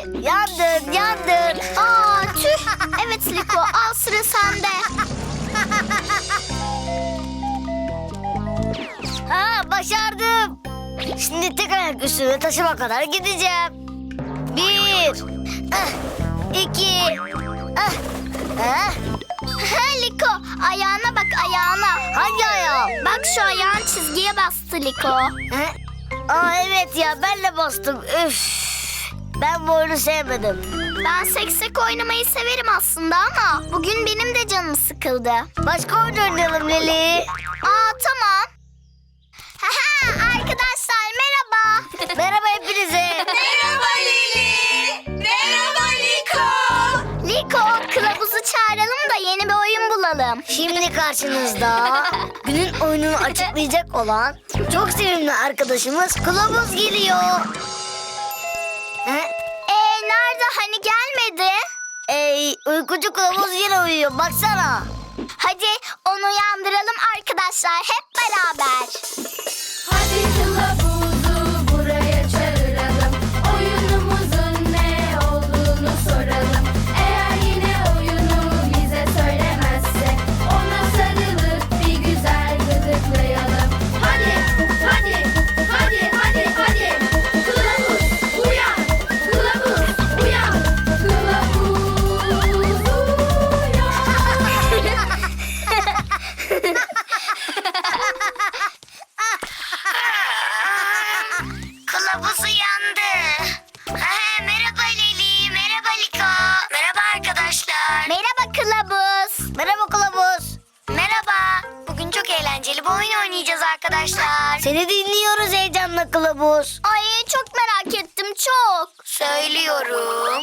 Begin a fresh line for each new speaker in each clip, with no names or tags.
Yandın, yandın.
Aa tüh. Evet Liko, al sıra sende.
Ha, başardım. Şimdi tek ayak üstüne taşıma kadar gideceğim. 1, 2,
Liko, ayağına bak, ayağına.
hangi ayağım?
Bak şu ayağın çizgiye bastı Liko.
Aa evet ya, ben de bastım. Üf. Ben bu oyunu sevmedim.
Ben seksek oynamayı severim aslında ama bugün benim de canım sıkıldı.
Başka oyun oynayalım Leli.
Aa tamam. Arkadaşlar merhaba.
Merhaba hepinize.
Merhaba Lili. Merhaba Liko.
Liko, kılavuzu çağıralım da yeni bir oyun bulalım.
Şimdi karşınızda günün oyununu açıklayacak olan çok sevimli arkadaşımız Kılavuz geliyor.
Nerede, hani gelmedi?
Uykucu Kılavuz yine uyuyor, baksana.
Hadi onu uyandıralım arkadaşlar hep beraber.
Hadi kılavuzu buraya çağıralım. Oyunumuzun ne olduğunu soralım. Eğer yine oyunu bize söylemezse ona sarılıp bir güzel gıdıklayalım. Hadi, hadi, hadi, hadi, hadi. Kılavuz uyan, kılavuz uyan, kılavuz
Kılavuz uyandı. Merhaba Leli, merhaba Liko. Merhaba arkadaşlar.
Merhaba kılavuz.
Merhaba Kılavuz.
Merhaba.
Bugün çok eğlenceli bir oyun oynayacağız arkadaşlar. Seni dinliyoruz heyecanla Kılavuz.
Ay çok merak ettim, çok.
Söylüyorum.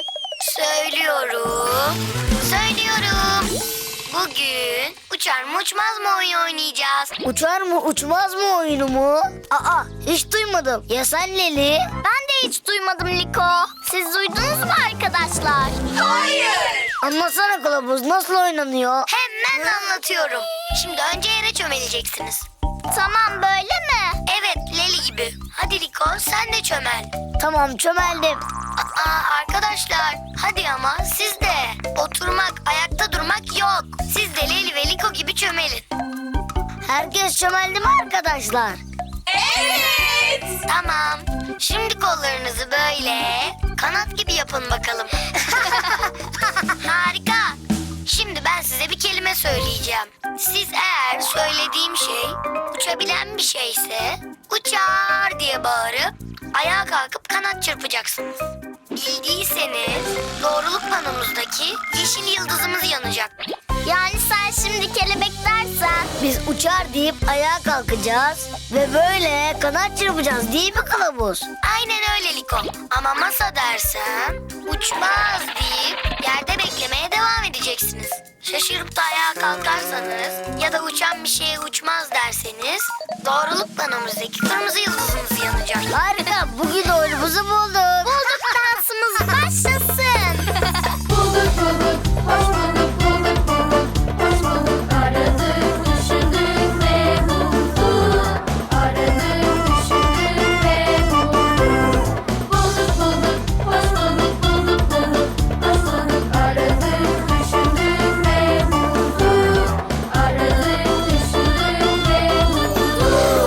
Bugün uçar mı uçmaz mı oyun oynayacağız. Uçar mı uçmaz mı oyunu mu? Aa, hiç duymadım. Ya sen Leli?
Ben de hiç duymadım Liko. Siz duydunuz mu arkadaşlar?
Hayır.
Anlatsana Kılavuz, nasıl oynanıyor? Hemen anlatıyorum. Şimdi önce yere çömeleceksiniz.
Tamam, böyle mi?
Evet, Leli gibi. Hadi Liko, sen de çömel. Tamam, çömeldim. Arkadaşlar, hadi ama siz de. Oturmak, ayakta durmak yok. Siz de Leli ve Liko gibi çömelin. Herkes çömeldi mi arkadaşlar?
Evet.
Tamam. Şimdi kollarınızı böyle kanat gibi yapın bakalım. Harika. Şimdi ben size bir kelime söyleyeceğim. Siz eğer söylediğim şey uçabilen bir şeyse uçar diye bağırıp ayağa kalkıp kanat çırpacaksınız. Bildiyseniz doğruluk panomuzdaki yeşil yıldızımız yanacak.
Yani sen şimdi kelebek dersen.
Biz uçar deyip ayağa kalkacağız ve böyle kanat çırpacağız, değil mi Kılavuz? Aynen öyle Liko. Ama masa dersem uçmaz deyip yerde beklemeye devam edeceksiniz. Şaşırıp da ayağa kalkarsanız ya da uçan bir şeye uçmaz derseniz doğruluk panomuzdaki kırmızı yıldızımız yanacak. Harika, bugün oyunumuzu bulduk.
Bulduk, dansımız başlasın.
Bulduk bulduk, hoş bulduk, bulduk bulduk, hoş bulduk. Aradık, düşündük ve bulduk. Aradık, düşündük ve bulduk. Bulduk bulduk, hoş bulduk, bulduk bulduk, hoş bulduk. Aradık, düşündük ve bulduk. Aradık, düşündük ve bulduk.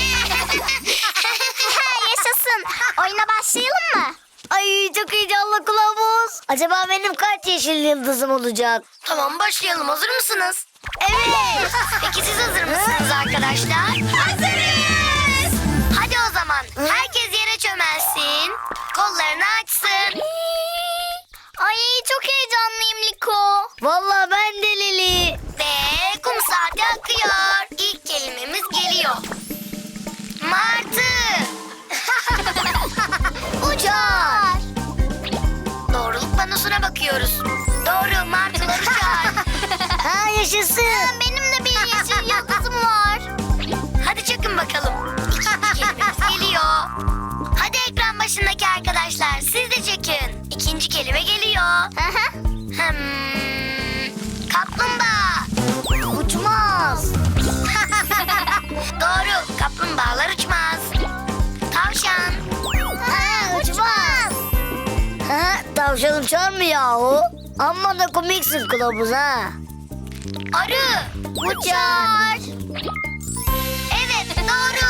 Yaşasın. Oyuna başlayalım mı?
Ay, çok heyecanlı Kılavuz. Acaba benim kaç yeşil yıldızım olacak? Tamam, başlayalım. Hazır mısınız? Evet. Peki siz hazır mısınız arkadaşlar? Hazırız. Hadi o zaman herkes yere çömelsin. Kollarını açsın.
Ay çok heyecanlıyım Liko.
Vallahi ben de Leli.
Ve kum saati akıyor.
İlk kelimemiz geliyor. Martı. Uçar. Doğruluk panosuna bakıyoruz. Doğru, martılar uçar. Ha, yaşasın.
Benim de bir yeşil yıldızım var.
Hadi çakın bakalım. İkinci kelimemiz geliyor. Hadi ekran başındaki arkadaşlar, siz de çekin. İkinci kelime geliyor. Kaplumbağa. Uçmaz. Doğru, kaplumbağalar uçmaz. Tavşan. Uçmaz. Tavşan uçar mı yahu? Amma da komiksin kılavuz ha.
Arı uçar. Evet doğru.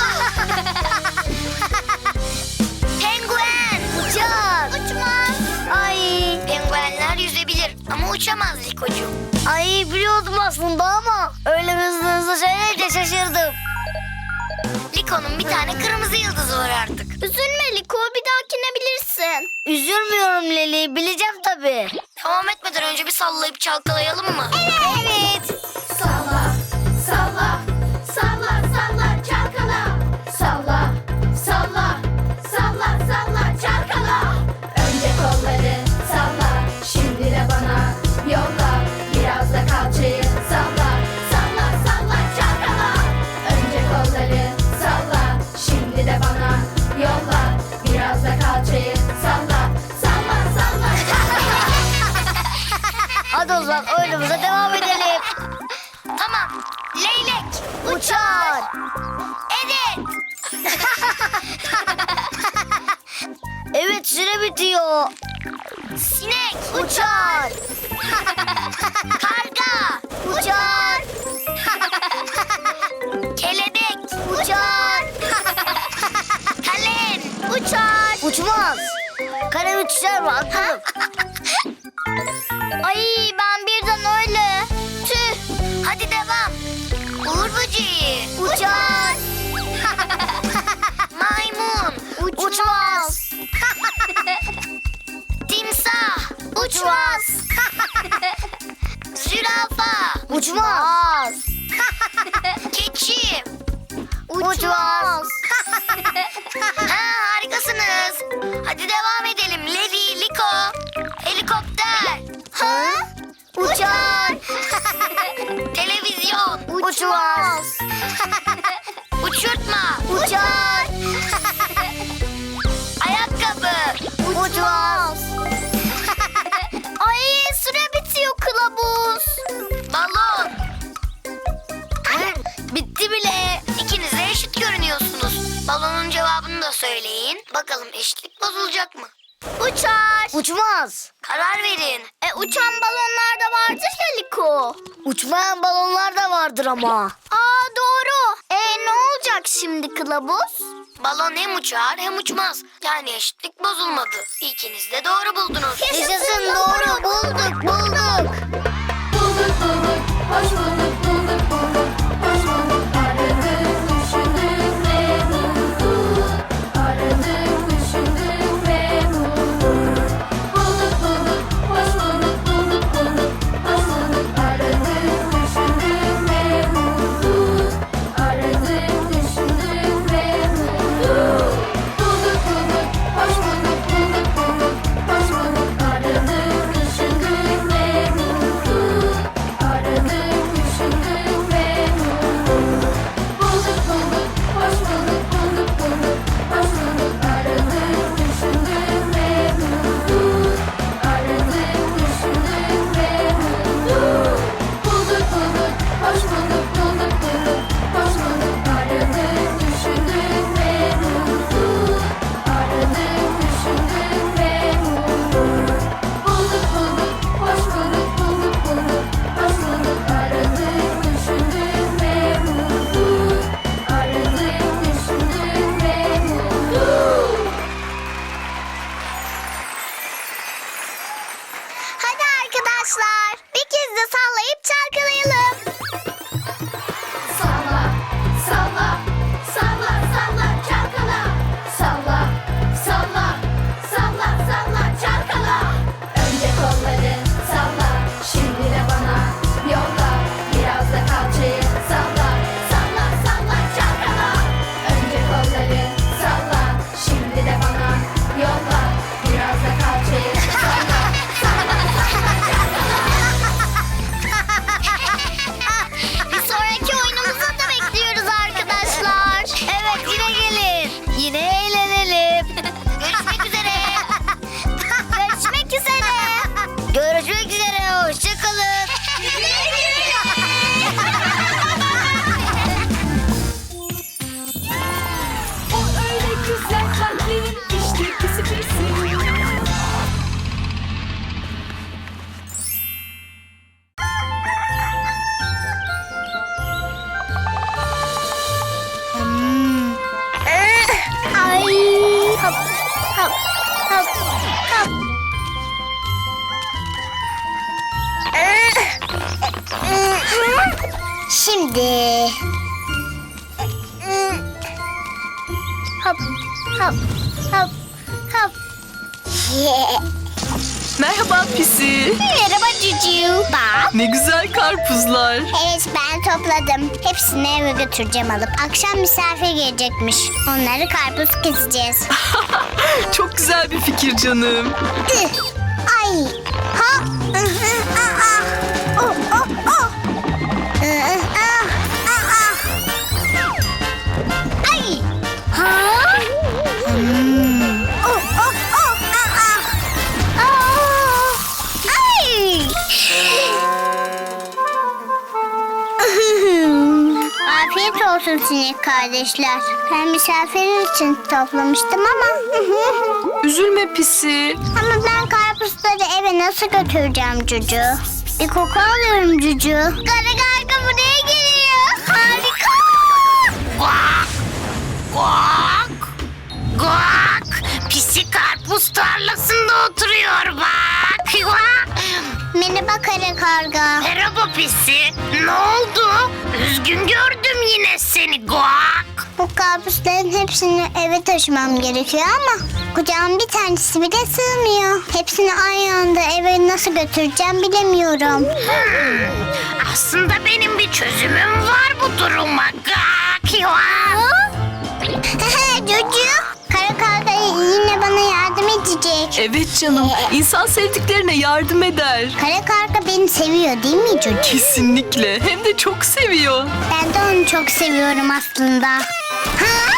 Penguen
Uçar.
uçmaz.
Ay.
Penguenler yüzebilir ama uçamaz Likocuğum.
Ay biliyordum aslında ama öyle hızlı hızlı söyleyince şaşırdım.
Liko'nun bir tane kırmızı yıldızı var artık. Üzülme Liko, bir dahakine bilirsin.
Üzülmüyorum Leli, bileceğim tabii.
Devam etmeden önce bir sallayıp çalkalayalım mı?
Evet.
Salla, salla, salla, salla, çalkala. Salla, salla, salla, salla, çalkala. Önce kolları salla, şimdi de bana yolla. Biraz da kalçayı salla, salla, salla, çalkala. Önce kolları salla, şimdi de bana yolla. Biraz da kalçayı salla, salla, salla, çalkala.
Hadi o zaman oyunumuza devam edelim.
Tamam. Leylek
Uçar.
Evet.
Evet, süre bitiyor.
Sinek
Uçar.
Karga
Uçar.
Kelebek
Uçar.
Kalem uçar.
Uçmaz. Kalem uçar mı? Aklım.
Ay ben birden öyle. Tüh. Hadi devam. Uğur böceği
Uçar.
Maymun
Uçmaz.
Timsah uçmaz. Zürafa
Uçmaz.
Keçi
Uçmaz.
Ha, harikasınız. Hadi devam edelim. Levi, Liko. Helikopter.
Ha? Uçar.
Televizyon.
Uçmaz.
Uçurtma.
Uçar.
Ayakkabı.
Uçmaz.
Ay süre bitiyor kılavuz. Balon.
Bitti bile.
İkiniz de eşit görünüyorsunuz. Balonun cevabını da söyleyin. Bakalım eşitlik bozulacak mı? Uçar.
Uçmaz.
Karar verin. Uçan balonlar da vardır ya Liko.
Uçmayan balonlar da vardır ama.
Aa doğru. Ne olacak şimdi kılavuz? Balon hem uçar hem uçmaz. Yani eşitlik bozulmadı. İkiniz de doğru buldunuz.
Yaşasın, doğru bulduk.
Bulduk bulduk, hoş bulduk, bulduk bulduk, hoş bulduk. Aradık, düşündük ve bulduk. Aradık, düşündük ve bulduk. Bulduk bulduk, hoş bulduk, bulduk bulduk, hoş bulduk. Aradık, düşündük ve bulduk. Aradık, düşündük ve bulduk. Bulduk bulduk, hoş bulduk, bulduk bulduk, hoş bulduk. Aradık, düşündük ve bulduk. Aradık, düşündük ve bulduk. Bulduk bulduk, hoş bulduk, bulduk bulduk, hoş bulduk. Aradık, düşündük ve bulduk. Aradık, düşündük ve bulduk. Bulduk bulduk, hoş bulduk, bulduk bulduk, hoş bulduk. Aradık, düşündük ve bulduk. Aradık, düşündük ve bulduk. Bulduk bulduk, hoş bulduk, bulduk bulduk, hoş bulduk. Aradık, düşündük ve bulduk. Aradık, düşündük ve bulduk.
Hadi arkadaşlar bir kez de sallayıp çalkalayalım.
Salla, salla, salla, salla, çalkala. Salla, salla, salla, salla, çalkala. Önce kolları salla, şimdi de bana yolla. Biraz da kalçayı salla, salla, salla, çalkala. Önce kolları salla, şimdi de bana yolla. Biraz da kalçayı salla, salla, salla, çalkala.
Şimdi... Hop, hop, hop, hop.
Merhaba Pisi.
Merhaba Cucu. Bak.
Ne güzel karpuzlar.
Evet, ben topladım. Hepsini eve götüreceğim alıp. Akşam misafir gelecekmiş. Onları karpuz keseceğiz.
Çok güzel bir fikir canım.
Ay. Ha. Oh, oh, oh. Ay. Ha. Oh, oh, oh. Ay. Afiyet olsun sinek kardeşler. Ben misafir için toplamıştım ama.
Üzülme Pisi.
Ama ben karpuzları eve nasıl götüreceğim Cucu? Bir koku alıyorum Cucu. Kara karga buraya geliyor. Harika.
Guak! Guak! Guak! Pisi karpuz tarlasında oturuyor bak. Guak!
Merhaba kara karga.
Merhaba Pisi. Ne oldu? Üzgün gördüm yine seni Guak.
Bu karpuzların hepsini eve taşımam gerekiyor ama kucağım bir tanesi bile sığmıyor. Hepsini aynı anda eve nasıl götüreceğim bilemiyorum.
Aslında benim bir çözümüm var bu duruma. Guak! Guak!
Cucu, kara karga yine bana yardım edecek.
Evet canım. İnsan sevdiklerine yardım eder.
Kara karga beni seviyor değil mi Cucu?
Kesinlikle. Hem de çok seviyor.
Ben de onu çok seviyorum aslında. Ha?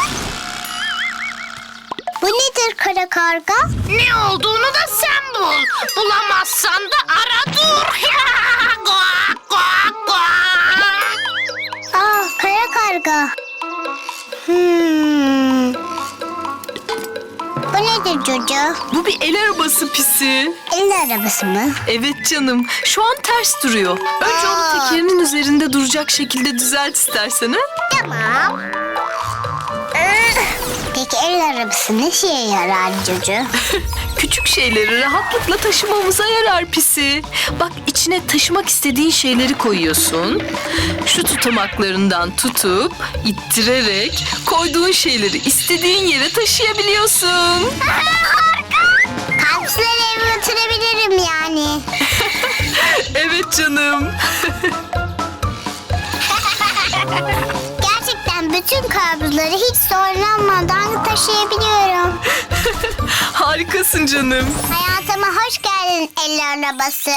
Bu nedir kara karga?
Ne olduğunu da sen bul. Bulamazsan da ara dur. Guak! Guak! Guak!
Kara karga. Bu nedir Cucu?
Bu bir el arabası Pisi.
El arabası mı?
Evet canım. Şu an ters duruyor. Önce onu tekerinin üzerinde duracak şekilde düzelt istersen ha?
Tamam. Peki el arabası ne şeye yarar Cucu?
Küçük şeyleri rahatlıkla taşımamıza yarar Pisi. Bak içine taşımak istediğin şeyleri koyuyorsun. Şu tutamaklarından tutup ittirerek koyduğun şeyleri istediğin yere taşıyabiliyorsun.
Karpuzları eve götürebilirim yani.
Evet canım.
Gerçekten bütün karpuzları hiç zorlanmadan taşıyabiliyorum.
Harikasın canım.
Hayatıma hoş geldin el arabası.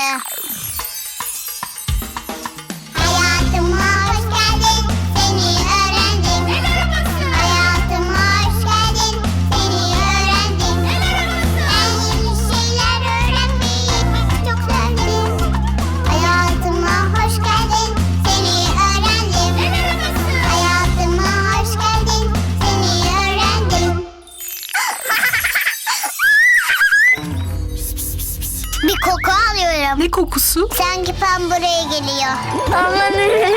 Hayatıma hoş geldin, seni öğrendim. El arabası. Hayatıma hoş geldin, seni öğrendim. El arabası. Ben yeni şeyler öğrenmeyi çok sevdim. Hayatıma hoş geldin, seni öğrendim. El arabası. Hayatıma hoş geldin, seni öğrendim. Bir koku alıyorum.
Ne kokusu?
Sanki Pam buraya geliyor. Aman.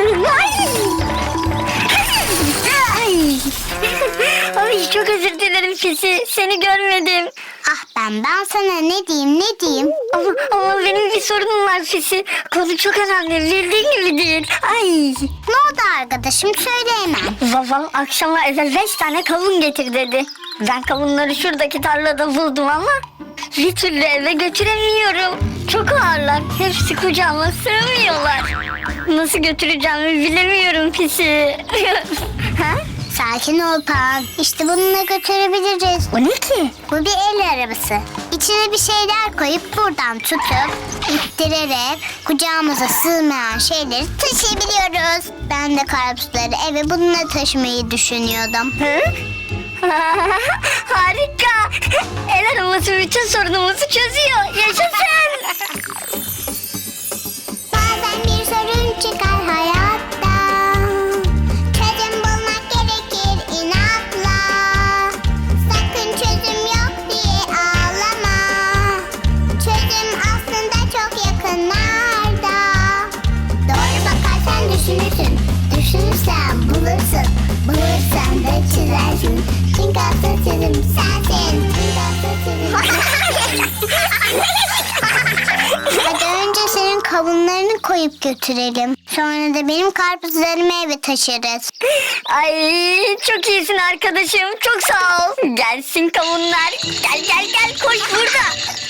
Ay.
Ay çok özür dilerim Pisi. Seni görmedim.
Ah ben sana ne diyeyim?
Ama benim bir sorunum var Pisi. Konu çok önemli. Bildiğin gibi değil. Ay.
Ne oldu arkadaşım söyle hemen.
Babam akşama eve 5 tane kavun getir dedi. Ben kavunları şuradaki tarlada buldum ama bir türlü eve götüremiyorum. Çok ağırlar. Hepsi kucağıma sığmıyorlar. Nasıl götüreceğimi bilemiyorum Pisi. Ha?
Sakin ol Pam. İşte bununla götürebiliriz.
O ne ki?
Bu bir el arabası. İçine bir şeyler koyup buradan tutup ittirerek kucağımıza sığmayan şeyleri taşıyabiliyoruz. Ben de karpuzları eve bununla taşımayı düşünüyordum.
Harika. El arabası bütün sorunumuzu çözüyor. Yaşasın.
Bazen bir sorun çıkar hayatta. Çözüm bulmak gerekir inatla. Sakın çözüm yok diye ağlama. Çözüm aslında çok yakınlarda. Doğru bakarsan düşünürsün. Düşünürsen bulursun. Bulursan da çizersin. Çünkü asıl çözüm sensin. Hadi önce senin kavunlarını koyup götürelim.
Sonra da benim karpuzlarımı eve taşırız.
Ay çok iyisin arkadaşım. Çok sağ ol. Gelsin kavunlar. Gel gel gel koş burada.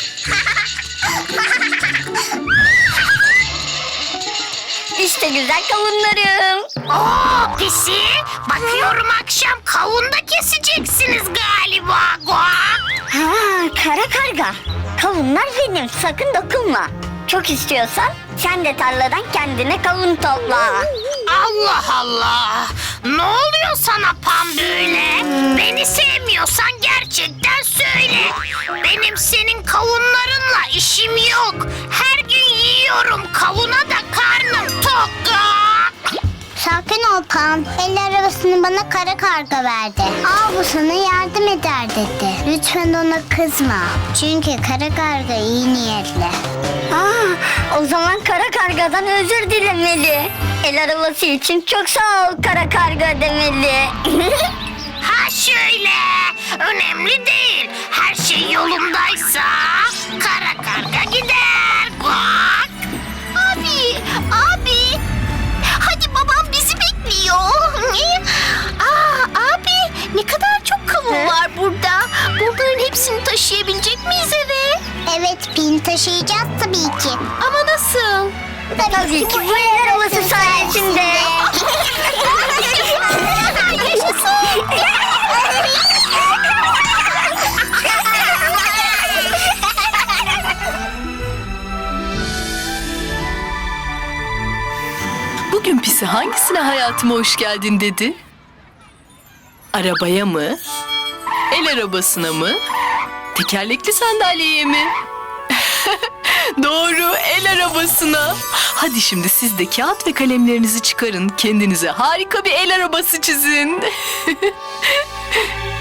İşte güzel kavunlarım.
Oo pisi, bakıyorum akşam kavun da keseceksiniz galiba. Guak.
Ha, kara karga. Kavunlar benim. Sakın dokunma. Çok istiyorsan sen de tarladan kendine kavun topla.
Allah Allah. Ne oluyor sana Pam böyle? Beni sevmiyorsan gerçekten söyle. Benim senin kavunlarınla işim yok. Her gün yiyorum kavuna da karnım tok.
Sakin ol Pam. El arabasını bana kara karga verdi. Al bu sana yardım eder dedi. Lütfen ona kızma. Çünkü kara karga iyi niyetli.
O zaman kara kargadan özür dilemeli. El arabası için çok sağ ol kara karga demeli.
Ha şöyle. Önemli değil. Her şey yolundaysa kara karga gider. Guak.
Abi. Hadi babam bizi bekliyor. Abi ne kadar çok kavun var burada. Bunların hepsini taşıyabilecek miyiz eve?
Evet Pin, taşıyacağız tabii ki.
Ama nasıl?
Tabii ki bu el arabası sayesinde.
Bugün Pisi hangisine hayatıma hoş geldin dedi? Arabaya mı? El arabasına mı? Tekerlekli sandalyeye mi? Doğru, el arabasına. Hadi şimdi siz de kağıt ve kalemlerinizi çıkarın. Kendinize harika bir el arabası çizin.